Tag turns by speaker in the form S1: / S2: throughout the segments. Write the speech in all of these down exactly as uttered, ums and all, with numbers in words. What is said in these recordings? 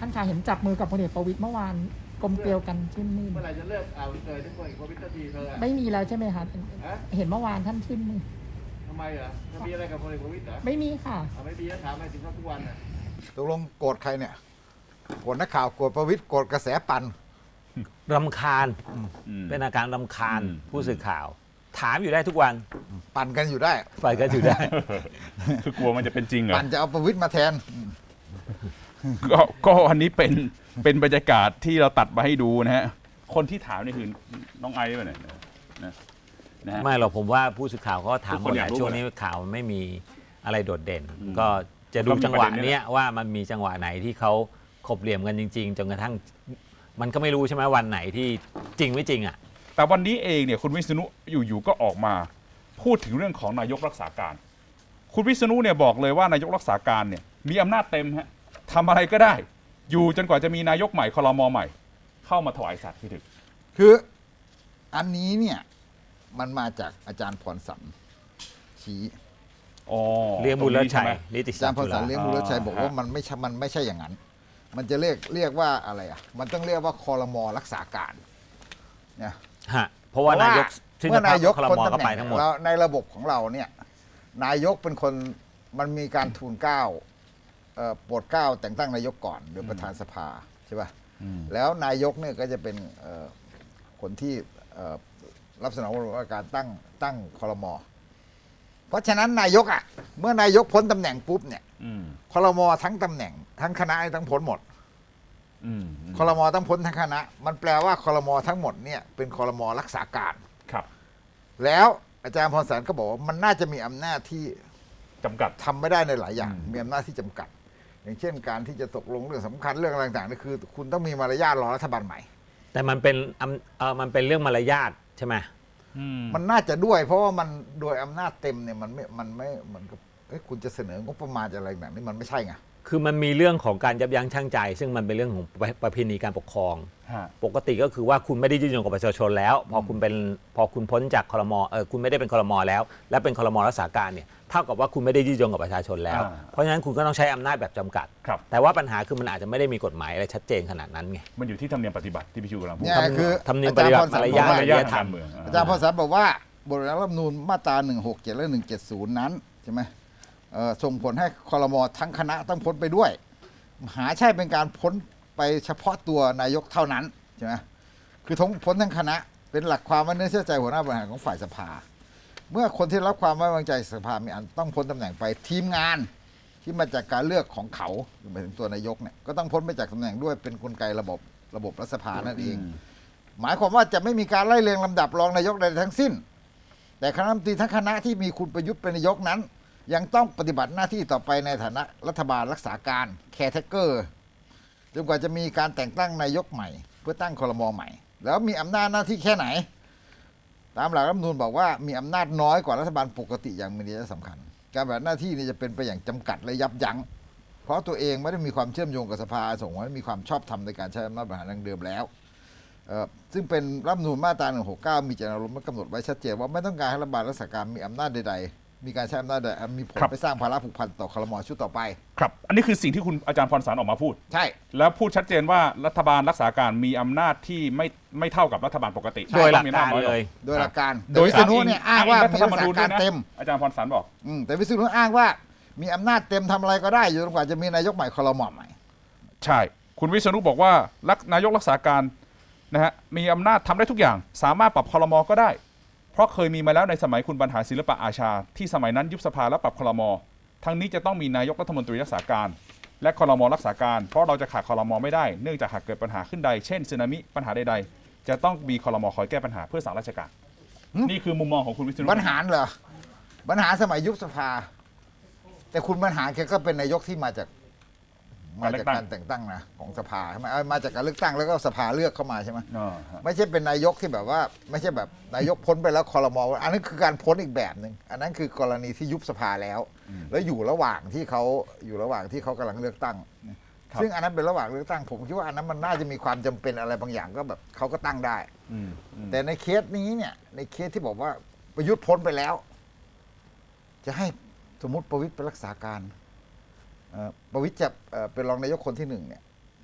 S1: ท่านขาเห็นจับมือกับพลเอกประวิตรเมื่อวานกลมเกลียวกันชื่นมื่น
S2: เมื่อไหร่จะเลิกเอาเกิดทุกคนอีกพลเอกประวิตรทีเธอ
S1: ไม่มีแล้วใช่ไหมคะเห็นเมื่อวานท่านชื่นมือ
S2: ทำไมเหรอจะมีอะไรกับพลเอกประวิตรเหรอ
S1: ไม่มีค่ะ
S2: ไม่มีแล้วถามอะไรถึงเขาทุกวันน่ะ
S3: ตกลงโกรธใครเนี่ยโกรธนักข่าวโกรธประวิตรโกรธกระแสปั่น
S4: รำคาญเป็นอาการรำคาญผู้สื่อข่าว ถามอยู่ได้ทุกวัน
S3: ปั่นกันอยู่ได้
S4: ปั่นกันอยู่ได้
S5: คือกลัวมันจะเป็นจริงเหรอ
S3: ปั่นจะเอาประวิตรมาแทน
S5: ก็ก็อันนี้เป็นเป็นบรรยากาศที่เราตัดมาให้ดูนะฮะคนที่ถามนี่คือน้องไอซ์ไปไหนนะ
S4: นะไม่หรอกผมว่าผู้สื่อข่าวเขาถามคนช่วงนี้ข่าวไม่มีอะไรโดดเด่นก็จะดูจังหวะนี้ว่ามันมีจังหวะไหนที่เขาขบเหลี่ยมกันจริงๆจนกระทั่งมันก็ไม่รู้ใช่ไหมวันไหนที่จริงไม่จริงอ่ะ
S5: แต่วันนี้เองเนี่ยคุณวิษณุอยู่ๆก็ออกมาพูดถึงเรื่องของนายกรักษาการคุณวิษณุเนี่ยบอกเลยว่านายกรักษาการเนี่ยมีอำนาจเต็มฮะทำอะไรก็ได้อยู่จนกว่าจะมีนายกใหม่ครม.ใหม่เข้ามาถวายสัตย์พี่ถึก
S3: คืออันนี้เนี่ยมันมาจากอาจารย์พรสันชี้
S4: เลี้ยงบุญชัย
S3: อาจารย์พรสันเลี้ยงบุญชัยบอกว่ามันไม่ใช่มันไม่ใช่อย่างนั้นมันจะเรียกเรียกว่าอะไรอ่ะมันต้องเรียกว่าครม.รักษาการเนี่ย
S4: ฮะเพราะว่านายก
S3: เมื่อนายกพ้นตำแหน่งแล้วในระบบของเราเนี่ยนายกเป็นคนมันมีการทูลเกล้าโปรดเกล้าแต่งตั้งนายกก่อนโดยประธานสภาใช่ป่ะแล้วนายกเนี่ยก็จะเป็นคนที่รับสนองว่าการตั้งตั้งครม.เพราะฉะนั้นนายกอ่ะเมื่อนายกพ้นตำแหน่งปุ๊บเนี่ยครม.ทั้งตำแหน่งทั้งคณะทั้งพ้นหมดครม.ทั้งพ้นทั้งคณะมันแปลว่าครม.ทั้งหมดเนี่ยเป็นครม.รักษาการ
S5: ครับ
S3: แล้วอาจารย์พรสันก็บอกว่ามันน่าจะมีอำนาจที่
S5: จำกัด
S3: ทำไม่ได้ในหลายอย่างมีอำนาจที่จำกัดอย่างเช่นการที่จะตกลงเรื่องสำคัญเรื่องอะไรต่างๆนี่คือคุณต้องมีมารยาทรอรัฐบาลใหม่
S4: แต่มันเป็นเออมันเป็นเรื่องมารยาทใช่ไหม
S3: มันน่าจะด้วยเพราะว่ามันโดยอำนาจเต็มเนี่ยมันไม่มันไม่เหมือนกับคุณจะเสนองบประมาณอะไรต่างๆนี่มันไม่ใช่ไง
S4: คือมันมีเรื่องของการยับยั้งชั่งใจซึ่งมันเป็นเรื่องของประเพณีการปกครองปกติก็คือว่าคุณไม่ได้ยืนยงกับประชาชนแล้วพอคุณเป็นพอคุณพ้นจากครม.เออคุณไม่ได้เป็นครม.แล้วและเป็นครม.รักษาการเนี่ยเท่ากับว่าคุณไม่ได้ยืนยงกับประชาชนแล้วเพราะฉะนั้นคุณก็ต้องใช้อำนาจแบบจำกัดแต่ว่าปัญหาคือมันอาจจะไม่ได้มีกฎหมายอะไรชัดเจนขนาดนั้นไง
S5: มันอยู่ที่ธรรมเนียมปฏิบัติที่พี่ชูกำลังพูด
S3: เนี่ยคือ
S4: ธรรมเนียมปฏิบัติมารยาทมารยาทธรรม
S3: อาจารย์พรสันบอกว่าบทรัฐธรรมนูญมาตราหนึ่งหกเจ็ดและหนึ่งเจ็ดศูนย์นั้นใช่ไหมส่งผลให้ครม.ทั้งคณะต้องพ้นไปด้วยหาใช่เป็นการพ้นไปเฉพาะตัวนายกเท่านั้นใช่ไหมคือทั้งพ้นทั้งคณะเป็นหลักความไว้เนื้อเชื่อใจหัวหน้าบริหารของฝ่ายสภาเมื่อคนที่รับความไว้วางใจสภามีอันต้องพ้นตำแหน่งไปทีมงานที่มาจากการเลือกของเขาหมายถึงตัวนายกเนี่ยก็ต้องพ้นไปจากตำแหน่งด้วยเป็นกลไกระบบระบบรัฐสภานั่นเองหมายความว่าจะไม่มีการไล่เรียงลำดับรองนายกใดทั้งสิ้นแต่คณะรัฐมนตรีทั้งคณะที่มีคุณประยุทธ์เป็นนายกนั้นยังต้องปฏิบัติหน้าที่ต่อไปในฐานะรัฐบาลรักษาการแคร์เทเกอร์จนกว่าจะมีการแต่งตั้งนายกใหม่เพื่อตั้งครม.ใหม่แล้วมีอำนาจหน้าที่แค่ไหนตามหลักรัฐธรรมนูญบอกว่ามีอำนาจน้อยกว่ารัฐบาลปกติอย่างมีนัยสำคัญการปฏิบัติหน้าที่นี้จะเป็นไปอย่างจำกัดและยับยั้งเพราะตัวเองไม่ได้มีความเชื่อมโยงกับสภาส่งผลให้มีความชอบธรรมในการใช้อำนาจบริหารดังเดิมแล้วซึ่งเป็นรัฐธรรมนูญมาตราหนึ่งหกเก้ามีเจตนารมณ์กำหนดไว้ชัดเจนว่าไม่ต้องการให้รัฐบาลรักษาการมีอำนาจใดๆมีการใช้อำนาจใดมีผลไปสร้างภาระผูกพันต่อครม.ชุดต่อไป
S5: ครับอันนี้คือสิ่งที่คุณอาจารย์พรสันออกมาพูด
S3: ใช่
S5: แล้วพูดชัดเจนว่ารัฐบาลรักษาการมีอำนาจที่ไม่ไม่เท่ากับรัฐบาลปกติ
S4: โดยหลักการเลย
S3: โดยหลักการโดยวิษณุเนี่ยอ้างว่ามีรัฐการเต็ม
S5: อาจารย์พรสันบอก
S3: แต่วิษณุอ้างว่ามีอำนาจเต็มทำอะไรก็ได้อยู่จนกว่าจะมีนายกใหม่ครม.ใหม่
S5: ใช่คุณวิษณุบอกว่านายกรักษาการนะฮะมีอำนาจทำได้ทุกอย่างสามารถปรับครม.ก็ได้เพราะเคยมีมาแล้วในสมัยคุณบรรหารศิลปะอาชาที่สมัยนั้นยุบสภาและปรับครม.ทั้งนี้จะต้องมีนายกรัฐมนตรีรักษาการและครม.รักษาการเพราะเราจะขาดครม.ไม่ได้เนื่องจากหากเกิดปัญหาขึ้นใดเช่นสึนามิปัญหาใดๆจะต้องมีครม.คอยแก้ปัญหาเพื่อสั่งราชการนี่คือมุมมองของคุณวิษณุ
S3: บรรหารเหรอบรรหารสมัยยุบสภาแต่คุณบรรหารแกก็เป็นนายกที่มาจากมาจากการแต่งตั้งนะของสภาใช่ไหมมาจากการเลือกตั้งแล้วก็สภาเลือกเข้ามาใช่ไหมไม่ใช่เป็นนายกที่แบบว่าไม่ใช่แบบนายกพ้นไปแล้วครม.อันนั้นคือการพ้นอีกแบบหนึ่งอันนั้นคือกรณีที่ยุบสภาแล้วแล้วอยู่ระหว่างที่เขาอยู่ระหว่างที่เขากำลังเลือกตั้งซึ่งอันนั้นเป็นระหว่างเลือกตั้งผมคิดว่าอันนั้นมันน่าจะมีความจำเป็นอะไรบางอย่างก็แบบเขาก็ตั้งได้แต่ในเคสนี้เนี่ยในเคสที่บอกว่าประยุทธ์พ้นไปแล้ว จะให้สมมติประวิตรเป็นรักษาการประวิตรจะเป็นรองนายกคนที่หนึ่งเนี่ย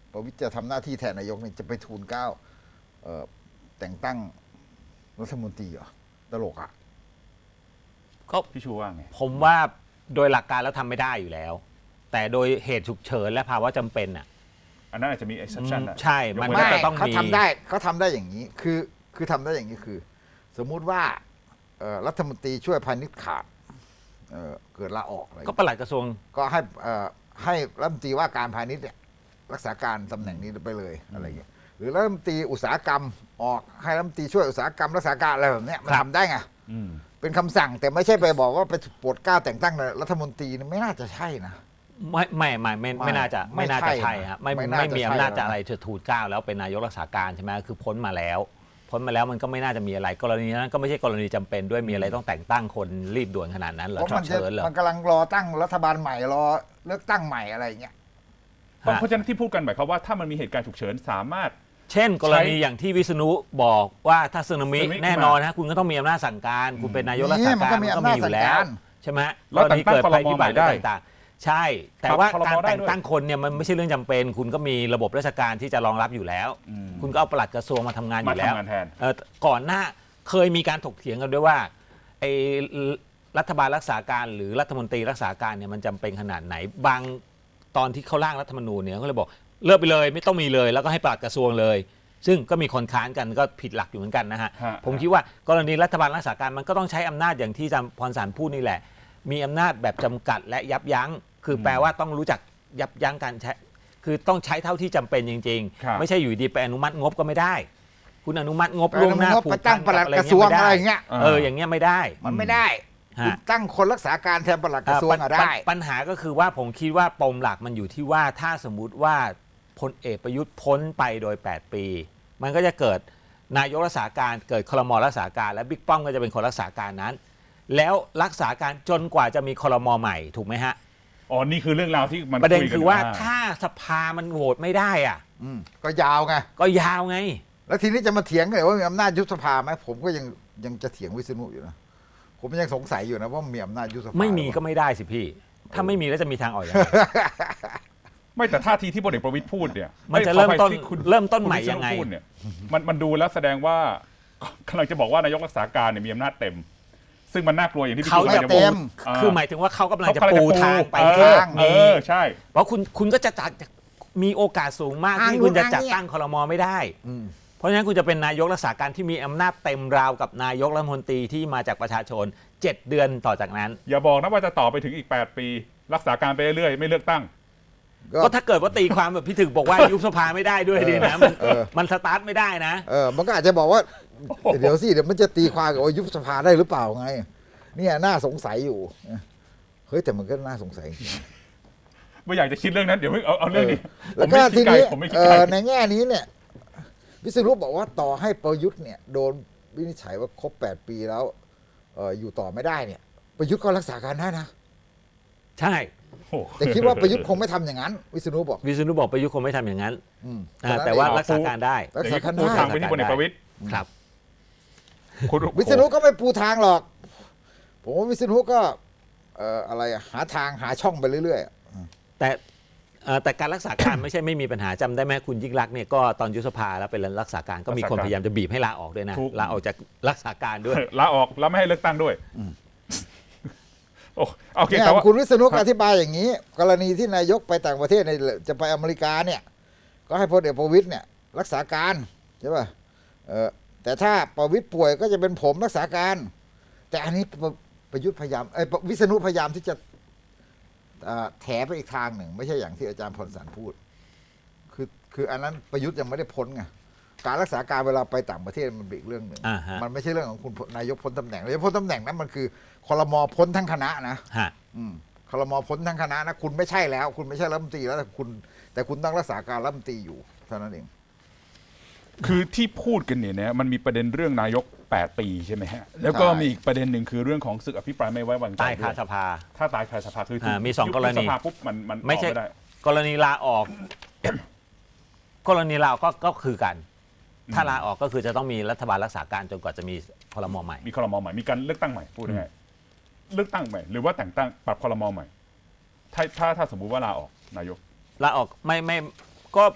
S3: ประวิตรจะทำหน้าที่แทนนายกเนี่ยจะไปทูลเกล้าเอ่อแต่งตั้งรัฐมนตรีเหรอตลกอ่ะ
S4: ก็
S5: พี่ชูว่าไง
S4: ผมว่าโดยหลักการแล้วทำไม่ได้อยู่แล้ว แต่โดยเหตุฉุกเฉินและภาวะจำเป็นอ่ะ
S5: อันนั้นอาจจะมี exception นะ
S4: ใช่มัน
S5: ยก
S4: ก็
S5: เว้
S4: จะต้อง
S3: เขา
S4: มี
S3: ทำได้เขาทำได้อย่างนี้คือคือทำได้อย่างนี้คือ สมมุติว่าเอ่อรัฐมนตรีช่วยพาณิชย์ขาดเอ่อเกิดลาออกอะไร
S4: ก็ปลัดกระทรวง
S3: ก็ให้เอ่อให้รัฐมนตรีว่าการพาณิชย์เนี่ยรักษาการตำแหน่งนี้ไปเลยอะไรเงี้ยหรือรัฐมนตรีอุตสาหกรรมออกให้รัฐมนตรีช่วยอุตสาหกรรมรักษาการอะไรแบบเนี้ยมัน
S4: ครับ
S3: ทำได้ไง
S5: อืม
S3: เป็นคำสั่งแต่ไม่ใช่ไปบอกว่าไปโปรดเกล้าแต่งตั้งรัฐมนตรีนี่ไม่น่าจะใช่นะ
S4: ไม่ไม่ไม่ไม่
S3: ไม่
S4: ไม่น่าจะ
S3: ไม่
S4: ไม่น่าจะ
S3: ใช่
S4: ใช่ฮะไม่
S3: ไม่น่า
S4: ไม่
S3: จะ
S4: มี
S3: ใช่
S4: อำนาจจะ
S3: แล้วนะ
S4: อะไรจะทูลเกล้าแล้วเป็นนายกรักษาการใช่ไหมคือพ้นมาแล้ว พ้นมาแล้วมันก็ไม่น่าจะมีอะไร กรณีนั้นก็ไม่ใช่กรณีจำเป็นด้วยมีอะไรต้องแต่งตั้งคนรีบด่วนขนาดนั้นเหรอ
S3: เพราะ
S4: ฉุ
S3: มั
S4: ก
S3: นจะ
S4: เฉินเหรอ
S3: มันกำลังรอตั้งรัฐบาลใหม่รอเลือกตั้งใหม่อะไรเงี้ย
S5: เพราะ
S4: ฮะ
S5: เพราะฉะนั้นที่พูดกันหมายความว่าถ้ามันมีเหตุการณ์ฉุกเฉินสามารถ
S4: เช่น กรณีอย่างที่วิษณุบอกว่าถ้าสึนามิ
S5: สึนามิ
S4: แน่นอนนะคุณก็ต้องมีอำนาจสั่งการ คุณเป็นนายกรักษา
S3: นี่มัน
S4: การ
S3: ก็มี
S4: มันก็
S3: อำนา
S4: มี
S3: จ
S4: อยู่แล้ว
S3: สั่งการ
S4: ใช่ไหม
S5: แล้วแต่งตั้ง
S4: กรณีเกิดภัยพิบัติ
S5: ครมใหม่ได้
S4: ต่างๆใช่ แต่ว่า
S5: ปรับครม
S4: การ
S5: ได้
S4: แต่ง
S5: ด้วย
S4: ตั้งคนเนี่ยมันไม่ใช่เรื่องจำเป็น คุณก็มีระบบราชการที่จะรองรับอยู่แล้ว
S5: อืม
S4: คุณก็เอาปลัดกระทรวงมาทำงานอ
S5: มา
S4: ยู่แล้ว
S5: ทำงานแทน
S4: เอ่อก่อนหน้าเคยมีการถกเถียงกันด้วยว่าไอ้รัฐบาลรักษาการหรือรัฐมนตรีรักษาการเนี่ยมันจำเป็นขนาดไหนบางตอนที่เขาร่างรัฐธรรมนูญเนี่ยเขาเลยบอกเลิกไปเลยไม่ต้องมีเลย แล้วก็ให้ปลัดกระทรวงเลย ซึ่งก็มีคนค้านกันก็ผิดหลักอยู่เหมือนกันนะฮะ
S5: ฮะ
S4: ผมคิดว่ากรณีรัฐบาลรักษาการมันก็ต้องใช้อำนาจอย่างที่อาจารย์พรสารพูดนี่แหละ มีอำนาจแบบจำกัดและยับยั้ง คือแปลว่าต้องรู้จักยับยั้งการใช้คือต้องใช้เท่าที่จำเป็นจริง
S5: ครับ
S4: ๆ ไม่ใช่อยู่ดีไปอนุมัติงบก็ไม่ได้ คุณอนุมัติงบ
S3: ไป
S4: ล่วงหน้า
S3: อนุมัติ
S4: ผู
S3: ไป
S4: ก
S3: ตั้
S4: พั
S3: ง
S4: น
S3: ปลัด
S4: กับอะไร
S3: กระทรวง
S4: เงี้ย
S3: อะไร
S4: ไม่ได้
S3: เงี้ย
S4: เอออย่างเงี้ยไม่ได้
S3: มันไม่ได้
S4: ฮะ
S3: คุณตั้งคนรักษาการแทนปลัดกระทรวง
S4: ปัญ
S3: อะได้
S4: ปัญหาก็คือว่าผมคิดว่าปมหลักมันอยู่ที่ว่าถ้าสมมุติว่าพลเอกประยุทธ์พ้นไปโดย แปด ปี มันก็จะเกิดนายกรักษาการเกิดครม.รักษาการและบิ๊กป้อมก็จะเป็นคนรักษาการนั้น แล้วรักษาการจนกว่าจะมีครม.ใหม่ถูกไหมฮะ
S5: อ๋อนี่คือเรื่องราวที่มัน
S4: ประเด็น
S5: ยกั
S4: คือว่า
S5: ยู่
S4: ถ้าสภามันโหวตไม่ได้อ่ะ
S3: อืมก็ยาวไง
S4: ก็ยาวไง
S3: แล้วทีนี้จะมาเถียงกันว่ามีอำนาจยุบสภาไหมผมก็ยังยังจะเถียงวิษณุอยู่นะผมยังสงสัยอยู่นะว่ามีอำนาจยุบสภา
S4: ไม่มี
S3: หรือเป
S4: ก็
S3: ล่า
S4: ไม่ได้สิพี่ ถ้าไม่มีแล้วจะมีทางออกอย่างไร
S5: ไม่แต่ท่าทีที่พลเอกประวิตยพูดเนี่ย
S4: มันจะ
S5: อ้ย
S4: เริ่มต้น
S5: ขออภัยที่คุณ
S4: เริ่มต้น
S5: คุณ
S4: ใหม่
S5: วิษณุ
S4: ยังไง
S5: พูดเนี่ยมันมันดูแล้วแสดงว่า กำลังจะบอกว่านายกรักษาการเนี่ยมีอำนาจเต็ม ซึ่งมันน่ากลัวอย่างที่พี่
S4: เขา
S5: ชู
S4: จะ
S5: กำลังจะ
S4: ปู
S5: บอกา
S4: คือหมายถึงว่าเขากำลังจะ
S5: เขากำลัง
S4: ปู
S5: จะ
S4: ทางไป
S5: เอ
S4: ทา
S5: อง เอ
S4: นี้
S5: อใช่
S4: เพราะคุณคุณก็จะจัดมีโอกาสสูงมาก
S3: ทาง
S4: ที่คุณจะ
S3: นู้น
S4: จัด
S3: ทางนี้
S4: ตั้งครม.ไม่ได้
S3: อืม
S4: เพราะฉะนั้นคุณจะเป็นนายกรักษาการที่มีอำนาจเต็มราวกับนายกรัฐมนตรีที่มาจากประชาชนเจ็ดเดือนต่อจากนั้น
S5: อย่าบอกนะว่าจะต่อไปถึงอีกแปดปี รักษาการไปเรื่อยๆไม่เลือกตั้ง
S4: ก็ถ้าเกิดว่าตีความแบบพี่ถึกบอกว่ายุบสภาไม่ได้ด้วยดีนะมัน
S3: เออ
S4: มันสตาร์ทไม่ได้นะ
S3: เออมันก็อาจจะบอกว่า เดี๋ยวสิเดี๋ยวมันจะตีความกับว่ายุบสภาได้หรือเปล่าไง เนี่ยน่าสงสัยอยู่เฮ้ยแต่มันก็น่าสงสัยจริง
S5: ไม่อยากจะคิดเรื่องนั้นเดี๋ยวเพิ่งเอาเอาเรื่องนี้
S3: แล้ว
S5: ผม
S3: ก็
S5: ไม่คิ
S3: ที
S5: ดไกล
S3: นี้
S5: ผมไม่คิด
S3: เอ่
S5: ไกล
S3: อในแง่นี้เนี่ยวิษณุบอกว่าต่อให้ประยุทธ์เนี่ยโดนวินิจฉัยว่าครบแปดปีแล้วเอ่ออยู่ต่อไม่ได้เนี่ย ประยุทธ์ก็รักษาการได้นะ
S4: ใช่
S5: โอ้โห
S3: แต่คิดว่าประยุทธ์คงไม่ทำอย่างนั้น วิษณุบอก
S4: วิษณุบอกประยุทธ์คงไม่ทำอย่างนั้น
S3: อืม
S4: อ่า
S3: ฉะนั้น
S4: แต่ว่า
S3: เอง
S4: รักษาการได้
S3: รักษาการ
S5: ปู
S3: ได้
S5: ทางไปที่พลเอกประวิตย
S4: ครับ
S5: คุณ
S3: วิษณุก็ไม่ปูทางหรอก ผมว่าวิษณุก็เอ่ออะไรอะหาทางหาช่องไปเรื่อยๆอะ
S4: แต่เอ่อแต่การรักษาการ ไม่ใช่ไม่มีปัญหาจำได้ไหมคุณยิ่งรักษณ์เนี่ยก็ตอนยุบสภาแล้วเป็นรักษาการก็มีคนพยายามจะบีบให้ลาออกด้วยนะลาออกจากรักษาการด้วย
S5: ลาออกแล้วไม่ให้เลือกตั้งด้วยโอ้โอเค
S3: เนี่ย
S5: แต่ว่า
S3: คุณวิษณุอธิบายอย่างนี้ กรณีที่นายกไปต่างประเทศในจะไปอเมริกาเนี่ย ก็ให้พลเอกประวิตยเนี่ย รักษาการใช่ป่ะเออแต่ถ้าประวิตยป่วยก็จะเป็นผมรักษาการ แต่อันนี้ประประยุทธ์พยายามไอ้ยวิษณุพยายามที่จะอ่าแถไปอีกทางหนึ่ง ไม่ใช่อย่างที่อาจารย์พลสารพูด คือคืออันนั้นประยุทธ์ยังไม่ได้พ้นไงการรักษาการเวลาไปต่างประเทศมันเป็นอีกเรื่องหนึ่ง
S4: อ่าฮะ
S3: มันไม่ใช่เรื่องของคุณนายกพ้นตำแหน่งนายกพ้นตำแหน่งนั้นมันคือครม.พ้นทั้งคณะนะ
S4: ฮะ
S3: อืมครม.พ้นทั้งคณะนะคุณไม่ใช่แล้ว คุณไม่ใช่รัฐมนตรีแล้วแต่คุณ แต่คุณต้องรักษาการรัฐมนตรีอยู่เท่านั้นเอง
S5: คือที่พูดกันเนี่ยนะมันมีประเด็นเรื่องนายกแปดปีใช่ไหมฮะแล้วก็
S3: ใช่
S5: มีอีกประเด็นหนึ่งคือเรื่องของศึกอภิปรายไม่ไว้วางใจ
S4: ตายคา
S5: ด้วย
S4: สภา
S5: ถ้าตายคาสภาคือถูก
S4: อ่ามีสองกรณี
S5: ยุบสภาปุ๊บมันมัน
S4: ไม่ใช่
S5: ต่อได้
S4: กรณีลาออก กรณีลาออกก็ก็คือกัน ถ้าลาออกก็คือจะต้องมีรัฐบาลรักษาการจนกว่าจะมีครม.ใหม่
S5: มีครมใหม่มีการเลือกตั้งใหม่พูดง่ายๆเลือกตั้งใหม่หรือว่าแต่งตั้งปรับครมใหม่ถ้าถ้าถ้าสมมุติว่าลาออกนายก
S4: ลาออกไม่ไม่ก็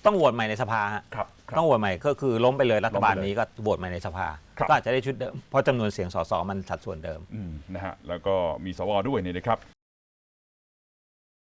S4: ต้องโหวตใหม่ในสภาฮะ
S5: ครับครับ
S4: ต้องโหวตใหม่ก็คือล้มไปเลยรัฐบาล
S5: ล้มไปเลย
S4: นี้ก็โหวตใหม่ในสภา
S5: ครับ
S4: ก็อาจจะได้ชุดเดิมเพราะจำนวนเสียงสสมันสัดส่วนเดิม
S5: อืมนะฮะแล้วก็มีสวด้วยเนี่ยนะครับ